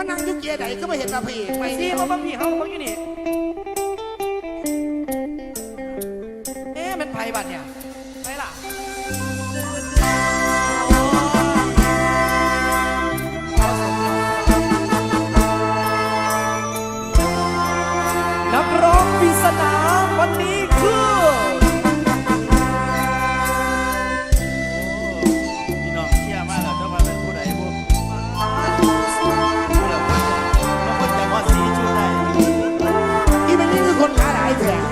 นั่งยุกเกียร์ไหนก็ไม่เห็นตาพี่ไปซีมาบ้างพี่เขาบ้างอยู่นี่มันไผ่บัดเนี่ยไปล่ะนักร้องปริศนาวันนี้คือพี่น้องเชื่อมากเหรอเจ้ามาเป็นผู้ใดผู้เราคนแต่ว่าสีชุดใดอีเป็นนี่คือคนขาหลายแถง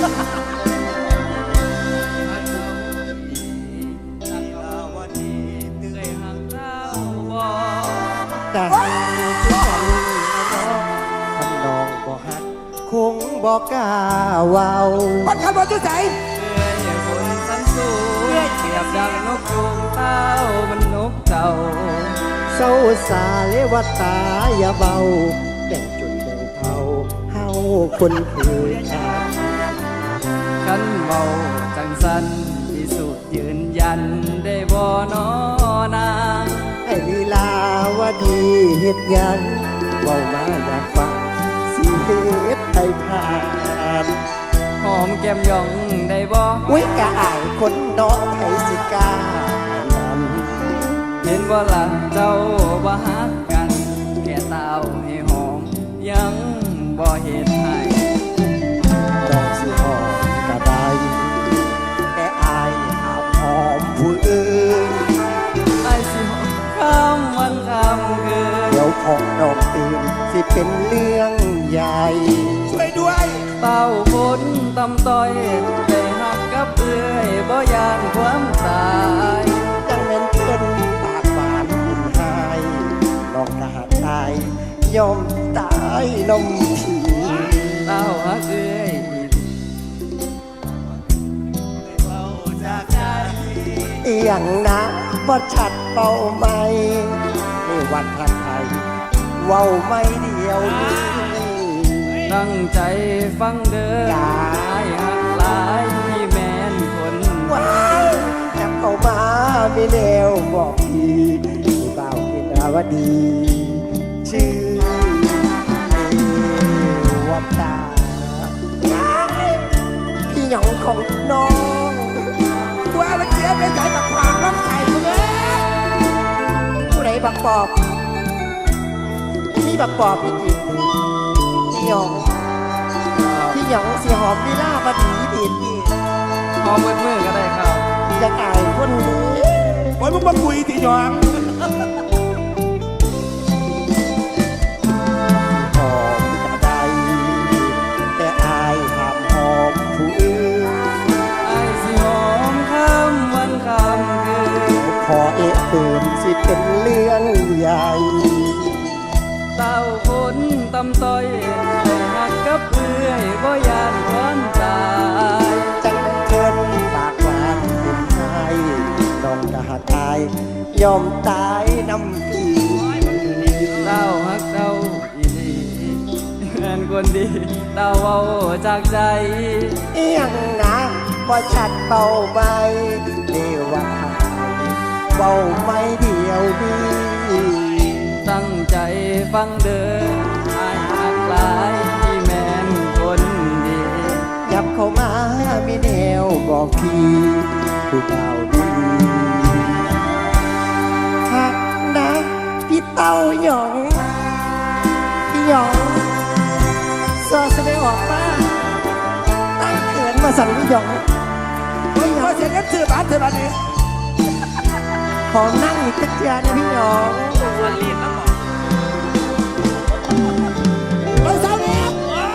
แต่ที่ฉันน้องบอกฮักคงบอกกล้าเว้าคนขับรถจุ๊ใจบนสันสูงเสียบดังนกจูงเต้ามันนกเจ้าเศร้าสาเลวตาอย่าเบาแบ่งจุดแบ่งเผาเฮาคนคือกันขันเบาจังสันที่สุดยืนยันได้บ่นอนางไอ้ลีลาวดีเฮ็ดงานเว้ามาอยากฟังสิเฮ็ดให้ผ่านหอมแก้มย่องได้บ่อุ้ยกะอ่างคนน้องไผสิกล้าเห็นว่าล่ะเจ้าบ่ฮักกันแก่เต้าให้หอมยังบ่เห็นให้น้องสิหอมก็ได้แต่อายห้ามหอมผู้อื่นอายสิหอมคำวันคำคืนเดี๋ยวของน้องตื่นสิเป็นเรื่องใหญ่ช่วยด้วยเต้าฝนตำต้อยได้หักกับเอื้อยบ่ยานความตายจังแม่นเพิ่นปากหวานกินหายน้องกะหักตายยอมตายน้องผีเต้าหักเอื้อยเต้าจากใจเอียงนะบ่ชัดเป่าไม่ในวันทักไทยเว้าไม่เดียวนี้ตั้งใจฟังเด้อหักหลายที่แม่นคนว้ายจับเข้ามามีแนวบอกพี่ที่เบากินาวดีชื่อวัดตาพี่หยองของน้องว่ามันเสียไปใส่บักควางรับใส่เลยผู้ใดบักปอบนี่บักปอบจริงๆพี่หยองสีหอมลีลาบดีเด็ดดีหอมมือก็ได้ครับจะกายคนนี้โอ้ยมึงมาคุยตีหยองหอมกระไดแต่อายห้ามหอมผู้อื่นอายสิหอมคำวันคำคืนขอเอะตื่นสิเป็นเรื่องใหญ่เต้าฝนตำต้อยได้หักกับเอื้อยบ่ยานความตายจังเกินปากหวานเป็นไห้น้องกะหักตายยอมตายน้ำพี่เต้าหักเต้าอีหลีแม่นคนดีเต้าเว้าจากใจเอียงนะบ่ชัดเป่าใบเดว่าเป่าไม่เดียวดีตั้งใจฟังเด้ออายหักหลายที่แม่นคนดียับเข้ามามีแนวบอกพี่ผู้เบาดีหักนะพี่เต้าหยองพี่หยองซอแสดงออกมาตั้งเขินมาสั่นพี่หยองไม่ยอมเสียเงินซื้อบ้านเธอบ้านนี้ขอนั่งอีกสักเดือนนะพี่หยองวันเรียนแล้วบอกเราเศร้าเนี่ย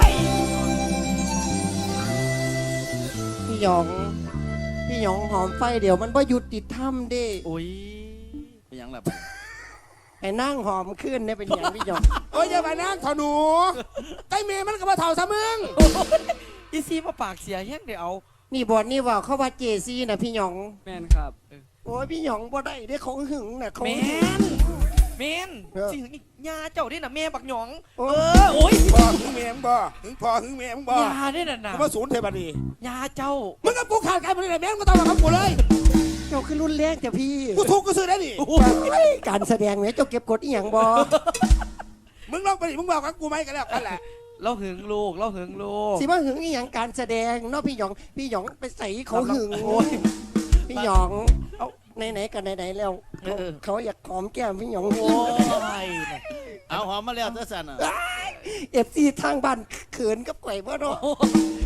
พี่หยองหอมไฟเดี๋ยวมันว่าหยุดติดถ้ำดิโอ้ยเป็นยังไงไอ้นั่งหอมขึ้นเนี่ยเป็นอย่างพี่หยองโอ้ยอย่าไปนั่งเถาหนูใกล้เมย์มันก็มาเถาซะมึงอีซีมาปากเสียแห้งเดี๋ยวเอานี่บอดนี่ว่าเขาว่าเจซีนะพี่หยองแมนครับโอ้ยพี่หยองบ่ได้ได้ของหึงน่ะแมนสิหึงอีกยาเจ้าได้น่ะแม่บักหยองโอ้ยบ่หึงแม่มึงบ่หึงพอหึงแม่มึงบ่ยาได้น่ะมาศูนย์เทบันดียาเจ้ามึงกับกูขาดกันไปเลยแม่มึงก็ต้องมากับกูเลยเจ้าคือรุ่นแรกแต่พี่กูถูกกูซื้อได้ดิการแสดงเนี่ยเจ้าเก็บกดอีหยังบ่มึงลองไปดิมึงบอกกับกูไหมกันแล้วกันแหละเราหึงลูกเราหึงลูกสิว่าหึงอีหยังการแสดงเนาะพี่หยองไปใส่เขาหึงพี่หยองเอาไหนๆกันไหนๆแล้วเขาอยากหอมแก้มพี่หยองโอ้ยเอาหอมมาแล้วเจ้าสันอ่ะเอฟซีทางบ้านเขินกับไก่บ่เนาะ